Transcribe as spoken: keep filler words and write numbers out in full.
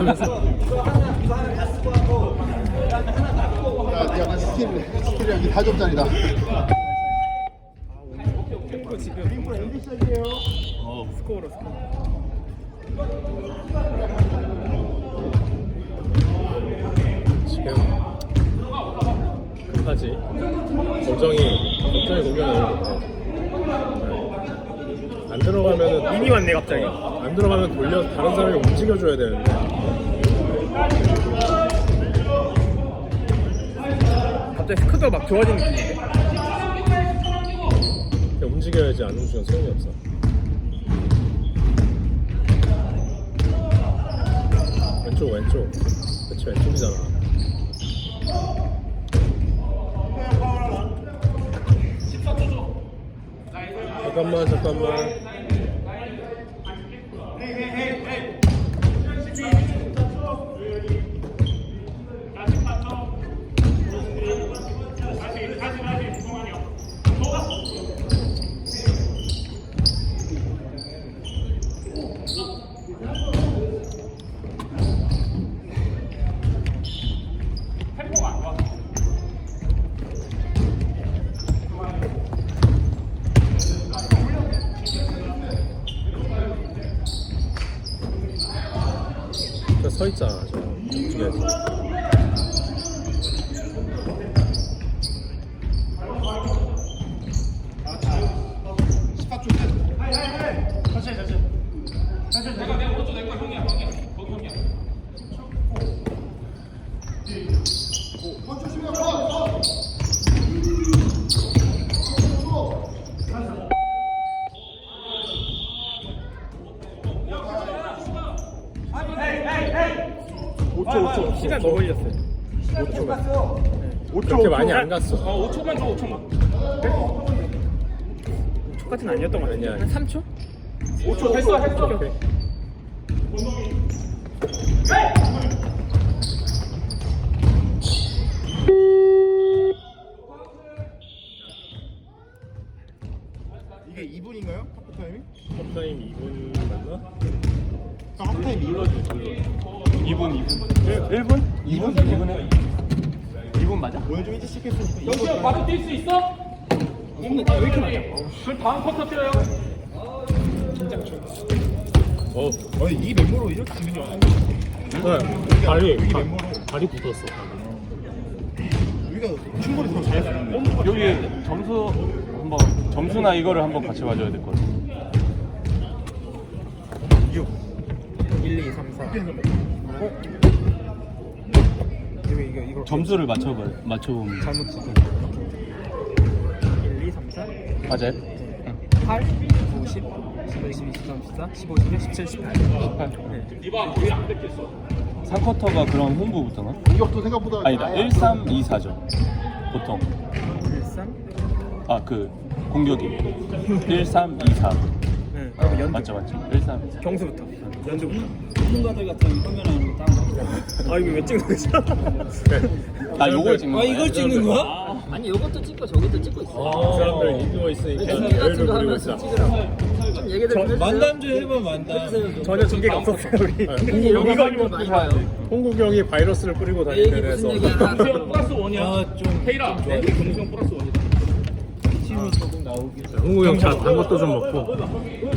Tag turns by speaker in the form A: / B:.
A: 하면서.
B: 야, 약간 스킬, 스킬이 여기 다 점짜리다.
A: 템포 지금 템포 엔드 시작이에요. 어, 스코어로 스코어. 지금 끝까지 고정이 고정이 공격을 안 들어가면은 이미 왔네 갑자기. 안 들어가면 돌려 다른 사람이 움직여줘야 되는데. 갑자기 스크도 막 좋아지는 느낌인데. 그냥 움직여야지 안 움직이면 소용이 없어. 왼쪽 왼쪽. 그치 왼쪽이잖아. 잠깐만 잠깐만. 저 서 있잖아, 저 중에서. 오 초, 오 초. 시간 너무 걸렸어요. 오 초. 오 초. 그렇게 많이 안 갔어.
C: 어, 오 초만 줘, 오 초만.
A: 오 초까지는 아니었던 거 같아요. 한 삼 초?
C: 오 초 했어, 했어.
A: 오케이.
B: 이게 이 분인가요? 하프타임이?
A: 컵타임 이 분 맞나?
B: 하프타임 이 분?
C: 이 분, 이 분. 일 분? 이 분? 이 분 해. 이 분 맞아?
B: 오늘 좀 일찍 시작했으니까
C: 영수형 바로 뛸 수 있어? 왜 이렇게 맞아? 그럼 다음 쿼터 뛰어요.
A: 어,
B: 아니 이 멤버로 이렇게 지는 게 아니야.
A: 네. 다리,
B: 여기
A: 다,
B: 멤버로
A: 다리 붙었어.
B: 우리가 충분히 더 잘할 수 있는데
C: 여기 점수 한번 점수나 이거를 한번 같이 봐줘야 될 것 같아.
A: 일, 이, 삼, 사. 어? 이거, 이거, 이거.
C: 점수를 맞춰봐, 맞춰보면.
A: 잘못 찍은 일, 이, 삼, 사.
C: 맞아요?
A: 팔, 구, 십, 십일, 십이, 십삼, 십사, 십오, 십육, 십칠, 십팔.
C: 십팔.
A: 네.
C: 삼 쿼터가 그럼 홈부부터나?
B: 이것도 생각보다
C: 아니다, 일, 삼, 이, 사죠. 보통.
A: 일, 삼.
C: 아, 그 공격이. 일, 삼, 이, 사.
A: 네. 그럼 연두.
C: 맞죠, 맞죠. 일, 삼, 이, 사.
A: 경수부터. 연두부터.
D: 전문가들 같은 화면을 딱.
A: 아, 이거 왜 찍는 거지?
C: 아, 요걸 찍는
D: 아
C: 거야?
D: 이걸 찍는 거야? 아니 이것도 찍고 저것도 찍고 있어.
A: 그 사람들 이기고 있으니까
D: 전개 같은 거
A: 여유를 부리고
D: 하면서
A: 있어.
D: 찍으라고. 좀 얘기들 좀 해주세요.
B: 만담 좀 해봐 만담
A: 전혀 전개가 없었어요, 우리.
D: 근데 이런 거 사람들 많이 봐요.
A: 홍국영이 바이러스를 뿌리고
D: 내 얘기
A: 다니는
D: 무슨
A: 데서
D: 얘기야?
C: 플러스 원이야.
B: 아좀
C: 헤이라. 공수형 플러스 원이다.
B: 팀이 조금 나오긴
A: 홍국영 자, 단 것도 좀 먹고